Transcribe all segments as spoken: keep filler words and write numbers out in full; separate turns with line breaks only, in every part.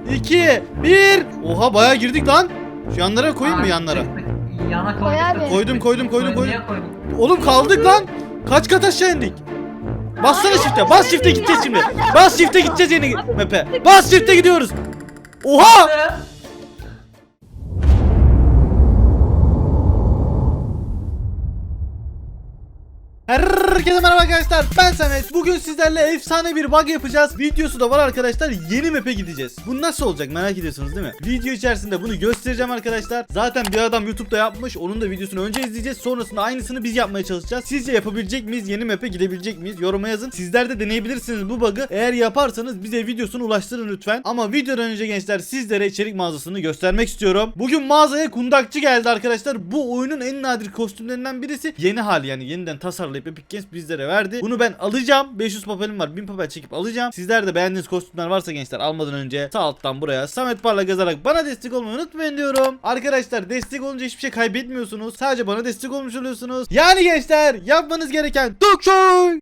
iki, bir. Oha bayağı girdik lan. Şu yanlara koyayım mı
Aa,
yanlara?
çıktık. Yana
Koy
koyduk.
abi.
Koydum koydum koydum koydum.
Niye koyduk?
Oğlum kaldık lan. Kaç kat aşağı indik? Bassana shift'e. Bas shift'e gideceğiz şimdi. Bas shift'e gideceğiz yeni map'e. Bas shift'e gidiyoruz. Oha! Herkese merhaba arkadaşlar, ben Samet. Bugün sizlerle efsane bir bug yapacağız. Videosu da var arkadaşlar, yeni map'e gideceğiz. Bu nasıl olacak merak ediyorsunuz değil mi? Video içerisinde bunu göstereceğim arkadaşlar. Zaten bir adam YouTube'da yapmış, onun da videosunu önce izleyeceğiz. Sonrasında aynısını biz yapmaya çalışacağız. Sizce yapabilecek miyiz? Yeni map'e gidebilecek miyiz? Yoruma yazın. Sizler de deneyebilirsiniz bu bug'ı. Eğer yaparsanız bize videosunu ulaştırın lütfen. Ama videodan önce gençler sizlere içerik mağazasını göstermek istiyorum. Bugün mağazaya kundakçı geldi arkadaşlar. Bu oyunun en nadir kostümlerinden birisi. Yeni hali, yani yeniden tasarlayıp Epic Games bizlere verdi. Bunu ben alacağım. beş yüz papelim var. bin papel çekip alacağım. Sizler de beğendiğiniz kostümler varsa gençler, almadan önce sağ alttan buraya Samet Parlak yazarak bana destek olmayı unutmayın diyorum. Arkadaşlar destek olunca hiçbir şey kaybetmiyorsunuz. Sadece bana destek olmuş oluyorsunuz. Yani gençler yapmanız gereken tık şoy.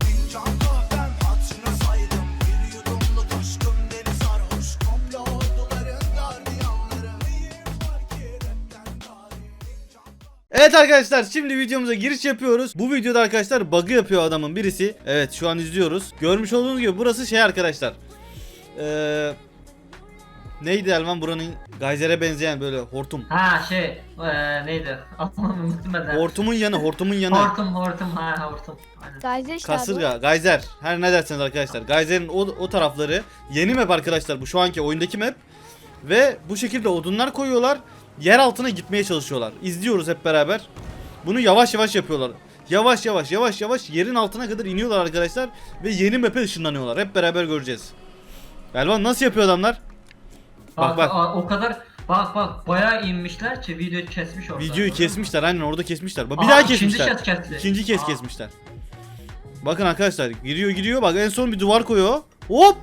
Evet arkadaşlar, şimdi videomuza giriş yapıyoruz. Bu videoda arkadaşlar bug'ı yapıyor adamın birisi. Evet, şu an izliyoruz. Görmüş olduğunuz gibi burası şey arkadaşlar. Eee... Neydi Elvan, buranın Geyser'e benzeyen böyle hortum.
Ha şey ee, neydi? Adını unuttum ben de.
Hortumun yanı, hortumun yanı.
Hortum hortum ha hortum. Aynen.
Gayzer işte abi.
Kasırga, Geyser. Her ne derseniz arkadaşlar. Geyser'in o, o tarafları. Yeni map arkadaşlar bu, şu anki oyundaki map. Ve bu şekilde odunlar koyuyorlar. Yer altına gitmeye çalışıyorlar. İzliyoruz hep beraber. Bunu yavaş yavaş yapıyorlar. Yavaş yavaş yavaş yavaş yerin altına kadar iniyorlar arkadaşlar. Ve yeni map'e ışınlanıyorlar. Hep beraber göreceğiz. Elvan nasıl yapıyor adamlar? Bak
Bak,
bak.
aa, o kadar bak bak bayağı inmişler ki videoyu kesmiş orada.
Videoyu kesmişler, aynen orada kesmişler. Bak bir
Aa,
daha
ikinci
kesmişler.
kez kesti.
İkinci kez
Aa.
kesmişler. Bakın arkadaşlar, giriyor giriyor, bak en son bir duvar koyuyor. Hop!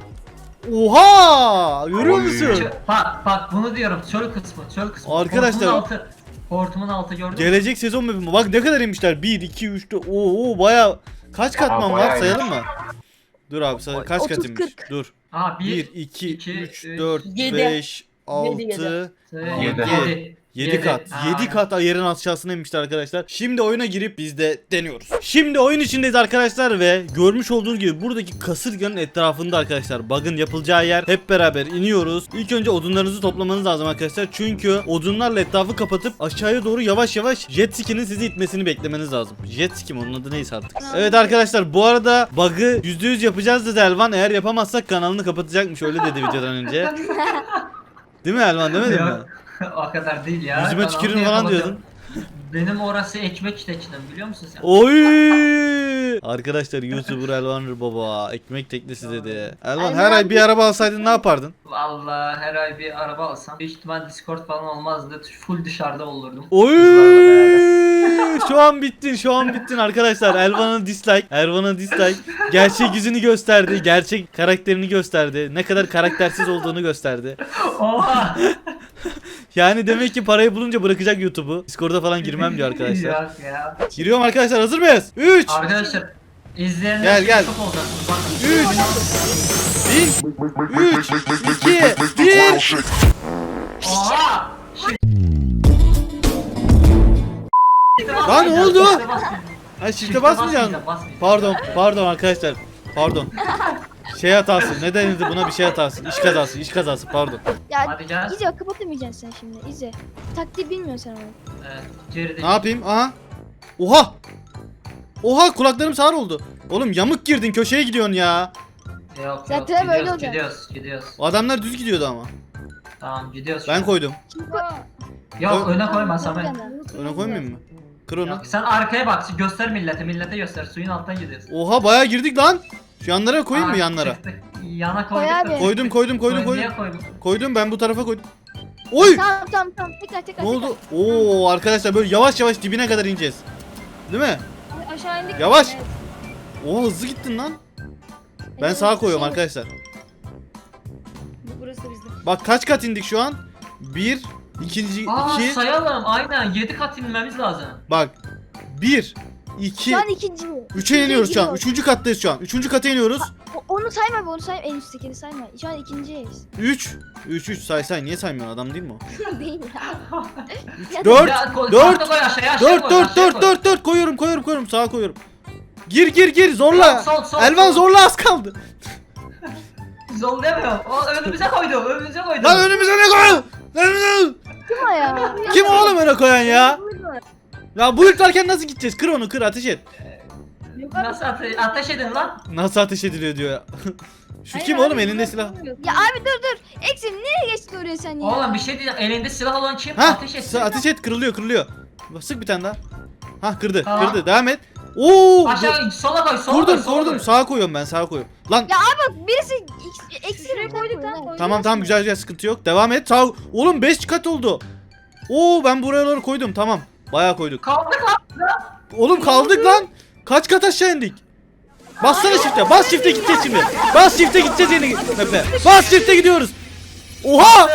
Oha! Görüyor musun?
Çö- Bak bak bunu diyorum, çöl kısmı çöl kısmı.
Arkadaşlar-
Hortumun altı, hortumun altı gördün mü?
Gelecek sezon map'i. Bak ne kadar inmişler. bir, iki, üç, dört. Oo baya. Kaç katman
Aa,
var
bayağı
sayalım mı? Dur abi say, kaç
otuz,
kat inmiş?
kırk.
Dur.
Aa
bir,
bir,
iki,
iki,
üç,
üç,
dört,
yedi.
beş, altı,
yedi.
Yedi.
yedi.
yedi kat. yedi kat yerin aşağısına inmişler arkadaşlar. Şimdi oyuna girip biz de deniyoruz. Şimdi oyun içindeyiz arkadaşlar ve görmüş olduğunuz gibi buradaki kasırganın etrafında arkadaşlar bug'ın yapılacağı yer. Hep beraber iniyoruz. İlk önce odunlarınızı toplamanız lazım arkadaşlar. Çünkü odunlarla etrafı kapatıp aşağıya doğru yavaş yavaş jet ski'nin sizi itmesini beklemeniz lazım. Jet ski mi, onun adı neyse artık. Evet arkadaşlar, bu arada bug'ı yüzde yüz yapacağız dedi Elvan. Eğer yapamazsak kanalını kapatacakmış, öyle dedi videodan önce. Değil mi Elvan, demedin mi?
Yok, o kadar değil ya.
Yüzüme
Kanalımı
tükürün falan
yapamadım.
diyordun.
Benim orası ekmek teçhinem, biliyor musun sen?
Oy! Arkadaşlar YouTuber Elvan baba ekmek teknesi dedi. Elvan,
Elvan
her ay
abi-
bir araba alsaydın ne yapardın?
Vallahi her ay bir araba alsam büyük ihtimal Discord falan olmazdı. Full dışarıda olurdum.
Oy!
Kızlarla beraber.
Şu an bittin, şu an bittin arkadaşlar. Elvan'a dislike, Elvan'a dislike. Gerçek yüzünü gösterdi, gerçek karakterini gösterdi. Ne kadar karaktersiz olduğunu gösterdi.
Oha!
Yani demek ki parayı bulunca bırakacak YouTube'u. Discord'a falan girmem diyor arkadaşlar.
Yok ya.
Giriyorum arkadaşlar, hazır mıyız? üç,
Arkadaşlar izleyenler
Gel, gel.
çok olacaksınız. Bakın.
üç, üç, iki, bir.
Oha!
Lan ne oldu?
Shift'e basmayacağım.
Ha, shift'e basmayacaksın.
basmayacağım.
Pardon, pardon arkadaşlar. Pardon. Şey hatası. Ne denildi buna, bir şey hatası. İş kazası, iş kazası, pardon.
Ya
Hadi gel.
İzle, kapatamayacaksın sen şimdi. İzle. Taktiği bilmiyorsun sen onu.
Evet, geride.
Ne yapayım? Aha. Oha. Oha, kulaklarım sağır oldu. Oğlum yamuk girdin, köşeye gidiyorsun ya.
Yok yok.
Zaten
gidiyoruz,
böyle olacak.
Gidiyoruz, gidiyoruz.
O adamlar düz gidiyordu ama.
Tamam gidiyoruz.
Ben koydum.
Yok
Koy-
öne koyma Samet.
Öne koymayayım mı? Kır onu.
Yok, sen arkaya bak, göster millete, millete göster. Suyun alttan gidiyoruz.
Oha, bayağı girdik lan. Şu yanlara koyayım mı,
Aa,
yanlara?
çıktık. Yana koyduk.
Koy
da
abi.
çıktık.
Koydum, koydum, koydum,
Koy-
koydum.
Niye koydun?
Koydum, ben bu tarafa koydum. Oy!
Tamam tamam tamam. Tekrar tekrar.
Ne oldu? Oo arkadaşlar, böyle yavaş yavaş dibine kadar ineceğiz. Değil mi?
tekrar. Aşağı indik.
Yavaş.
Evet.
Oo, hızlı gittin lan. Ben
Evet,
sağa koyuyorum
şey-
arkadaşlar.
Burası bizde.
Bak kaç kat indik şu an? Bir, ikinci,
Aa
iki.
sayalım, aynen yedi kat inmemiz lazım.
Bak. Bir, iki,
Şu an ikinci.
üçe iniyoruz şu an.
gidiyor.
Üçüncü kattayız şu an. Üçüncü kata iniyoruz.
O, onu sayma be, onu sayma. En üsttekini sayma. Şu an ikinciyiz.
üç. üç üç say say. Niye saymıyorsun? Adam değil mi o?
Değil ya.
dört.
Ya, ko-
dört,
tahta koy aşağıya, aşağıya
dört
koy,
dört
aşağıya
dört
koy.
dört dört koyuyorum koyuyorum koyuyorum. Sağa koyuyorum. Gir gir gir zorla.
Sol, sol, sol,
Elvan
sol.
zorla az kaldı.
Zol demiyor. O önümüze koydu. Önümüze koydu.
Lan önümüze ne koyuyorsun? Önümüze-
Kim o ya?
Kim oğlum öyle koyan ya? Ya bu ilklerken nasıl gideceğiz? Kır onu kır ateş et.
Nasıl ate ateş edin lan?
Nasıl ateş ediliyor diyor ya. Şu
Hayır
kim
abi,
oğlum elinde
ben
silah?
bilmiyorum. Ya abi dur dur. Eksim nereye geçtin oraya sen ya?
Oğlum bir şey diyeceğim. Elinde silah olan kim?
Ha
Ateş etsin.
ateş et kırılıyor kırılıyor. Sık bir tane daha. Ha kırdı
Tamam.
kırdı devam et. Oo.
Aşağı sola koy, sola koy,
Kurdum
sola
kurdum
koy.
sağa koyuyorum ben sağa koyuyorum. Lan
Ya abi bak birisi eks- eksimi koyduk lan. koyduk.
tamam tamam güzel güzel sıkıntı yok. Devam et. Sağ oğlum beş kat oldu. Oo ben buraları koydum tamam. Bayağı koyduk.
Kaldık lan.
Oğlum kaldık lan. Kaç kat aşağı indik? Bassana shift'e. Bas shift'e gideceğiz şimdi. Bas shift'e gideceğiz yeni Mepe. Bas shift'e gidiyoruz. Oha!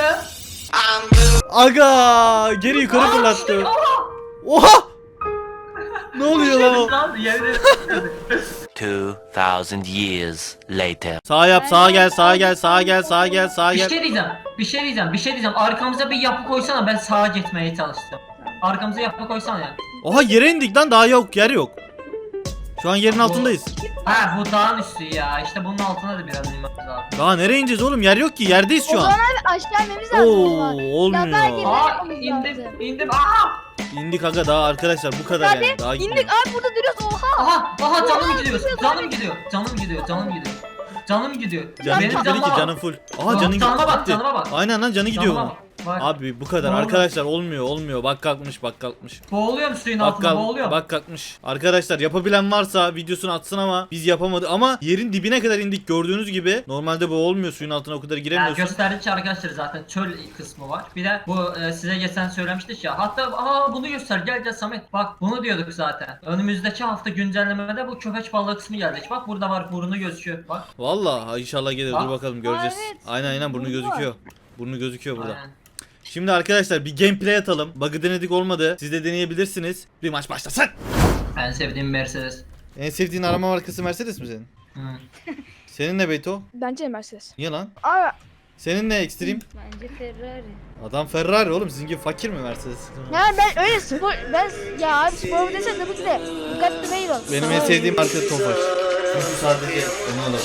Aga geri yukarı fırlattı. Oha! Ne oluyor lan o?
Lan yerde.
Two thousand years later.
Sağa yap, sağa gel, sağa gel, sağa gel, sağa gel, sağa
Bir
gel.
şey diyeceğim. Bir şey diyeceğim. Bir şey diyeceğim. Arkamıza bir yapı koysana, ben sağa gitmeye çalıştım. Arkamıza yapı koysana ya.
Oha yere indik lan daha yok, yer yok. Şu an yerin altındayız.
Ha bu dağın üstü ya. İşte bunun altına da biraz inmemiz lazım.
Daha nereye ineceğiz oğlum? Yer yok ki, yerdeyiz
O
şu
zaman
an.
abi aşağı inmemiz lazım. o
Oo,
zaman. Ya daha
olmuyor.
geri-
Aa
yapmamız
indim
lazım.
indim. Aha!
İndik aga daha arkadaşlar bu kadar
Abi
yani. Daha
indik
gitmedik.
abi burada duruyoruz. Oha.
Aha! Aha canım
Oha,
gidiyor.
gidiyor,
Canım
abi.
gidiyor. Canım gidiyor. Canım gidiyor. Canım gidiyor.
Canın
Benim
gitmedi ki
canıma
canın
bak.
full. Aha
Bak,
canın
canıma bak,
gitti.
canıma bak.
Aynen lan canı gidiyor
Canıma
bunun.
bak. Bak.
Abi bu kadar
Ne oldu?
arkadaşlar olmuyor olmuyor. Bak kalkmış bak kalkmış.
Boğuluyorum suyun
Bak,
altında,
kalk,
boğuluyorum.
bak kalkmış. Arkadaşlar yapabilen varsa videosunu atsın ama biz yapamadık. Ama yerin dibine kadar indik gördüğünüz gibi. Normalde bu olmuyor suyun altına o kadar
Yani
giremiyorsun.
gösterdikçe arkadaşlar zaten çöl kısmı var. Bir de bu e, size geçen söylemiştik ya. Hatta aa bunu göster gel gel Samet. Bak bunu diyorduk zaten. Önümüzdeki hafta güncellemede bu köpek balığı kısmı gelecek. Bak burada var burnu gözüküyor. Bak.
Vallahi inşallah gelir
Bak.
dur bakalım göreceğiz.
Aa, evet.
Aynen aynen burnu
Burnu var.
gözüküyor. Burnu gözüküyor burada.
Aynen.
Şimdi arkadaşlar bir gameplay atalım. Bug'ı denedik olmadı. Siz de deneyebilirsiniz. Bir maç başlasın.
En sevdiğim Mercedes.
En sevdiğin arama markası Mercedes mi senin?
Hı.
Senin ne Beyto?
Bence de Mercedes.
Niye lan?
Abi
Senin ne Extreme?
bence Ferrari.
Adam Ferrari oğlum sizin gibi fakir mi Mercedes?
Ya ben öyle spor ben ya abi spor desen tabii ki de Bugatti Veyron.
Benim en sevdiğim marka Tofaş. Çünkü sadece onu alırım.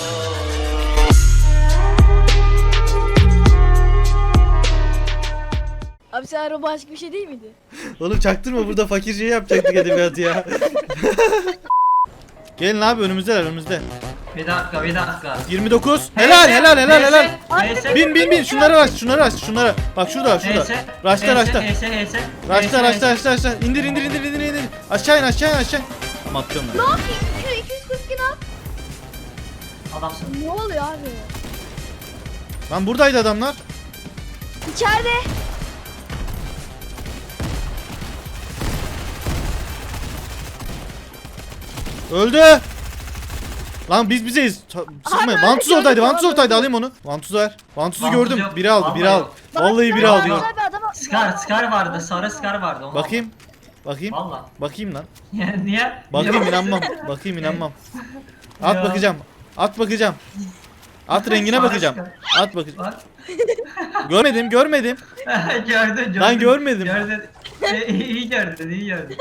Abi sen araba başka bir şey değil miydi?
Oğlum çaktırma burada fakir şey yapacaktık edebiyatı ya. Gelin abi önümüzde önümüzde.
Bir dakika bir dakika.
yirmi dokuz. Helal helal helal helal.
Neyse.
Bin bin bin şunları aç şunları aç şunları. Bak şurada şurada.
Neyse.
Raşta raşta.
Neyse neyse.
Raşta raşta raşta raşta. İndir indir indir indir indir. Aşağı in aşağı in aşağı in. Ama atlıyorum ben.
Ne yapayım? iki yüz kırk iki ne yap?
Adamsın.
Ne oluyor abi?
Lan buradaydı adamlar.
İçeride.
Öldü. Lan biz bizeyiz. Ta- Sıkmayın.
Abi,
Vantuz
öyle
oradaydı.
gördüm,
Vantuz
tamam,
oradaydı.
öldü.
Alayım onu. Vantuzu ver. Vantuzu
Vantuz
gördüm.
yok.
Biri aldı. Biri
Vallahi
aldı.
yok.
Vallahi biri
Bak,
aldı.
abi, adama-
Scar Scar vardı. Sarı Scar vardı. Onu
Bakayım. Bakayım.
Valla.
Bakayım lan.
Niye? Niye?
Bakayım
Niye
inanmam. Bakayım inanmam. At
Ya.
bakacağım. At bakacağım. At rengine
Sarı
bakacağım.
Scar.
At bakacağım.
Bak.
Görmedim, görmedim.
gördün gördün.
Ben görmedim.
Gördün. E, iyi gördün iyi gördün.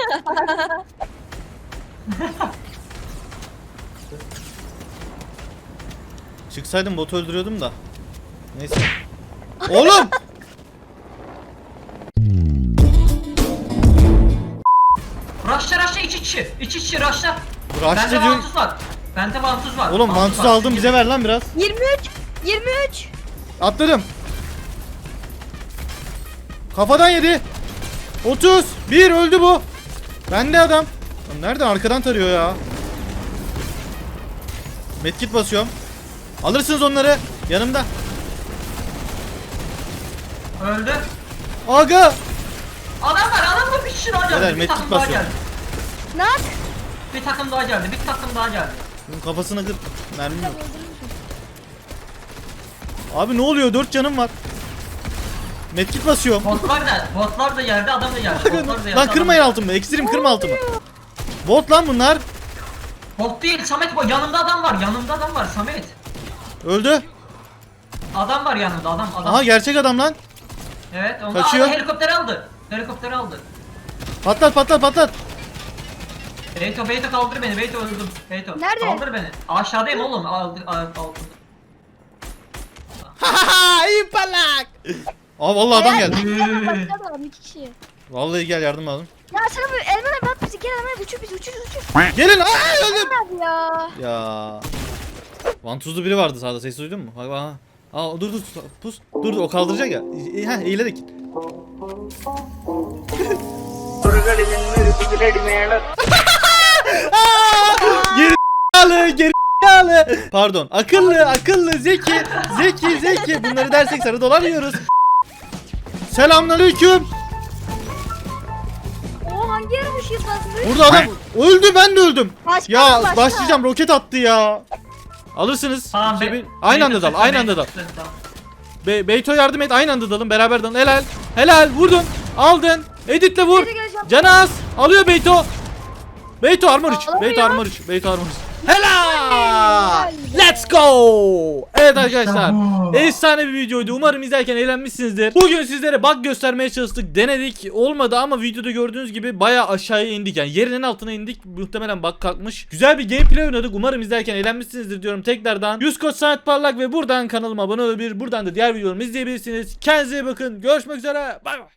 Çıksaydım botu öldürüyordum da. Neyse. Oğlum!
Raşla raşla iç içi. İç içi raşla.
Raşla
Bende
diyor.
vantuz var. Bende vantuz var.
Oğlum
Vantuz
vantuzu
var.
aldım bize ver lan biraz.
yirmi üç. yirmi üç.
Atladım. Kafadan yedi. otuz. bir öldü bu. Bende adam. Lan nereden arkadan tarıyor ya? Medkit basıyorum. Alırsınız onları. Yanımda.
Öldü.
Aga.
Adam var adam var bir kişi daha geldi.
Helal,
bir
medkit
takım daha
basıyorum.
geldi.
Ne yap?
Bir takım daha geldi. Bir takım daha geldi.
Bunun kafasına kır. Mermi yok. Abi ne oluyor? dört canım var. Medkit basıyorum.
Botlar da botlar da geldi adam da geldi. Botlar da geldi.
Lan
adam
kırmayın
da-
altımı. Ekstrem kırma altımı. Bot lan bunlar.
Bot değil Samet bu yanımda adam var. Yanımda adam var Samet.
Öldü.
Adam var yanında adam adam.
Aha gerçek adam lan.
Evet onu
Kaçıyor.
Aa, helikopteri aldı. Helikopteri aldı.
Patlat patlat patlat.
Beyto Beyto kaldır beni. Beyto öldüm. Beyto.
Nerede?
Kaldır beni. Aşağıdayım oğlum. Aldı aldı.
Haha iyi palak. Aa vallahi adam geldi.
Patladı adam iki kişi.
Vallahi gel yardım alın.
Ya sana bu elmanı bak bizi gel hemen uçur biz uçur uçur.
Gelin. Aa öldüm.
Hadi ya.
Ya. Vantuzlu biri vardı sağda, ses duydun mu? Bak bak. Aa dur dur pus. Dur dur o kaldıracak ya. E, ha eğilerek git. Geri zekalı, geri zekalı. Pardon. Akıllı, akıllı, zeki, zeki, zeki. Bunları dersek sarı dolar yiyoruz. Selamünaleyküm.
O hangi yere bu shield bastı?
Burada adam öldü, ben de öldüm.
Başka,
Ya
başka.
başlayacağım, roket attı ya. Alırsınız.
Tamam,
Şey,
Be-
bir- aynı anda
Beyto
dal,
sıktı,
aynı anda
Beyto
dal.
sıktı, tamam.
Be Beyto yardım et, aynı anda dalın, beraber dalın. Helal. Helal, vurdun. Aldın. Editle vur.
Geri geleceğim.
Canaz. Alıyor Beyto. Beyto armor üç.
Alamıyor.
Beyto armor üç. Beyto armor üç. Helal. Let's go. Evet arkadaşlar.
bu.
Efsane bir videoydu. Umarım izlerken eğlenmişsinizdir. Bugün sizlere bug göstermeye çalıştık. Denedik. Olmadı ama videoda gördüğünüz gibi bayağı aşağıya indik. Yani yerin altına indik. Muhtemelen bug kalkmış. Güzel bir gameplay oynadık. Umarım izlerken eğlenmişsinizdir diyorum tekrardan. Yüz Koç Samet Parlak ve buradan kanalıma abone olabilir. Buradan da diğer videolarımı izleyebilirsiniz. Kendinize iyi bakın. Görüşmek üzere. Bay bay.